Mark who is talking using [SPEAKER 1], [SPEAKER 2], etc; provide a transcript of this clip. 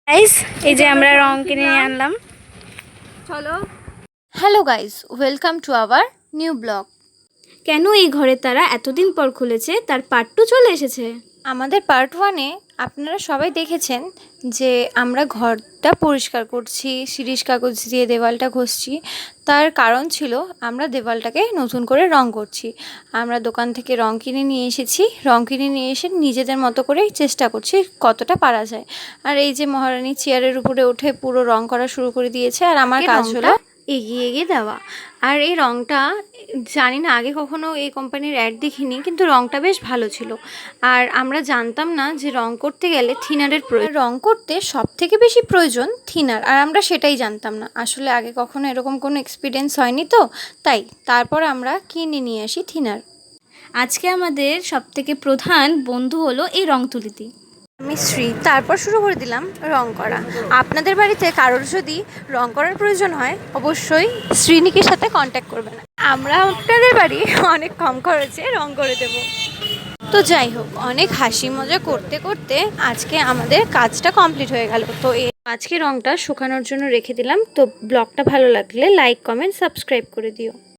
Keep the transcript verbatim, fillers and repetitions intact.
[SPEAKER 1] Guys এই যে আমরা রং কিনে নিয়ে আনলাম, চলো।
[SPEAKER 2] Hello guys, welcome to our new blog.
[SPEAKER 1] কেন এই ঘরের তারা এতদিন পর খুলেছে তার পার্ট টু চলে এসেছে।
[SPEAKER 2] আমাদের পার্ট ওয়ানে আপনারা সবাই দেখেছেন যে আমরা ঘরটা পরিষ্কার করছি, শিরিষ কাগজ দিয়ে দেওয়ালটা ঘষছি। তার কারণ ছিল আমরা দেওয়ালটাকে নতুন করে রং করছি। আমরা দোকান থেকে রং কিনে নিয়ে এসেছি, রং কিনে নিয়ে এসে নিজেদের মতো করেই চেষ্টা করছি কতটা পারা যায়। আর এই যে মহারানী চেয়ারের উপরে উঠে পুরো রং করা শুরু করে দিয়েছে, আর আমার কাজ হলো এগিয়ে এগিয়ে দেওয়া। আর এই রংটা জানি না, আগে কখনো এই কোম্পানির অ্যাড দেখিনি, কিন্তু রংটা বেশ ভালো ছিল। আর আমরা জানতাম না যে রং করতে গেলে থিনারের প্রয়োজন, রং করতে সব থেকে বেশি প্রয়োজন থিনার, আর আমরা সেটাই জানতাম না। আসলে আগে কখনো এরকম কোনো এক্সপিরিয়েন্স হয়নি, তো তাই তারপর আমরা কিনে নিয়ে আসি থিনার।
[SPEAKER 1] আজকে আমাদের সব থেকে প্রধান বন্ধু হলো এই রং তুলিটি।
[SPEAKER 2] আমি শ্রী। তারপর শুরু করে দিলাম রং করা। আপনাদের বাড়িতে কারোর যদি রং করার প্রয়োজন হয় অবশ্যই শ্রীনিকের সাথে কন্ট্যাক্ট করবেন, আমরা আপনাদের বাড়ি অনেক কম খরচে রং করে দেব। তো যাই হোক, অনেক হাসি মজা করতে করতে আজকে আমাদের কাজটা কমপ্লিট হয়ে গেল। তো এই আজকে রংটা শুকানোর জন্য রেখে দিলাম। তো ব্লগটা ভালো লাগলে লাইক, কমেন্ট, সাবস্ক্রাইব করে দিও।